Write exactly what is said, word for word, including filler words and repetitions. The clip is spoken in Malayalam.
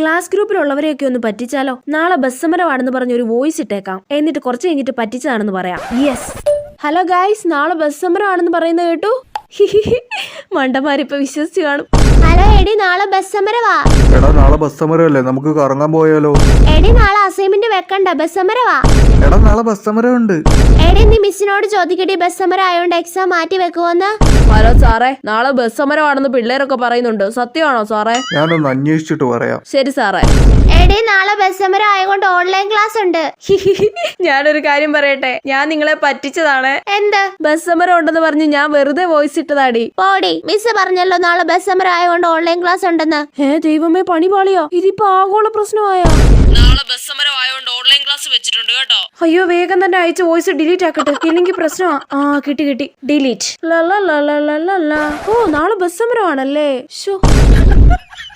ക്ലാസ് ഗ്രൂപ്പിലുള്ളവരെയൊക്കെ ഒന്ന് പറ്റിച്ചാലോ? നാളെ ബസ് സമരമാണെന്ന് പറഞ്ഞ ഒരു വോയിസ് ഇട്ടേക്കാം, എന്നിട്ട് കുറച്ച് കഴിഞ്ഞിട്ട് പറ്റിച്ചതാണെന്ന് പറയാം. യെസ്. ഹലോ ഗായ്സ്, നാളെ ബസ് സമരമാണെന്ന് പറയുന്നത് കേട്ടു. മണ്ടന്മാരിപ്പൊ വിശ്വസിച്ച് കാണും. ഹലോ എടി, നാളെ ബസ് സമരവാ. എടാ നാളെ ബസ് സമരമല്ലേ, നമുക്ക് കറങ്ങാൻ പോയാലോ? എടി നാളെ അസൈൻമെന്റ് വെക്കണ്ട, ബസ് സമരവാ. എടാ നാളെ ബസ് സമരമുണ്ട്. എടി നീ മിസ്സിനോട് ചോദിക്കടി, ബസ് സമരം ആയോണ്ട് എക്സാം മാറ്റി വെക്കുവോന്ന്. ഹലോ സാറേ, നാളെ ബസ് സമരമാണെന്ന് പിള്ളേരൊക്കെ പറയുന്നുണ്ട്, സത്യമാണോ സാറേ? ഞാനൊന്ന് അന്വേഷിച്ചിട്ട് പറയാം. ശരി സാറേ. എടി നാളെ ബസ് സമരം ആയതുകൊണ്ട് ഓൺലൈൻ ക്ലാസ് ഉണ്ട്. ഞാനൊരു കാര്യം പറയട്ടെ, ഞാൻ നിങ്ങളെ പറ്റിച്ചതാണ്. എന്ത്? ബസ് സമരം ഉണ്ടെന്ന് പറഞ്ഞ് ഞാൻ വെറുതെ വോയിസ് ഇട്ടതാടി. പോടി, മിസ് പറഞ്ഞല്ലോ നാളെ ബസ് സമരം ആയതുകൊണ്ട് ഓൺലൈൻ ക്ലാസ് ഉണ്ടെന്ന്. ഏ ദൈവമേ, പണി പാളിയോ? ഇതിപ്പോ ആഗോള പ്രശ്നമായോ? നാളെ ബസ് സമരം ആയതുകൊണ്ട് ഓൺലൈൻ ക്ലാസ് വെച്ചിട്ടുണ്ട് കേട്ടോ. അയ്യോ, വേഗം തന്നെ അയച്ച വോയിസ് ഡിലീറ്റ് ആക്കട്ടെ, ഇല്ലെങ്കിൽ പ്രശ്നമാ. ആ കിട്ടി കിട്ടി, ഡിലീറ്റ്. ഓ നാളെ ബസ് സമരമാണല്ലേ. ശോ.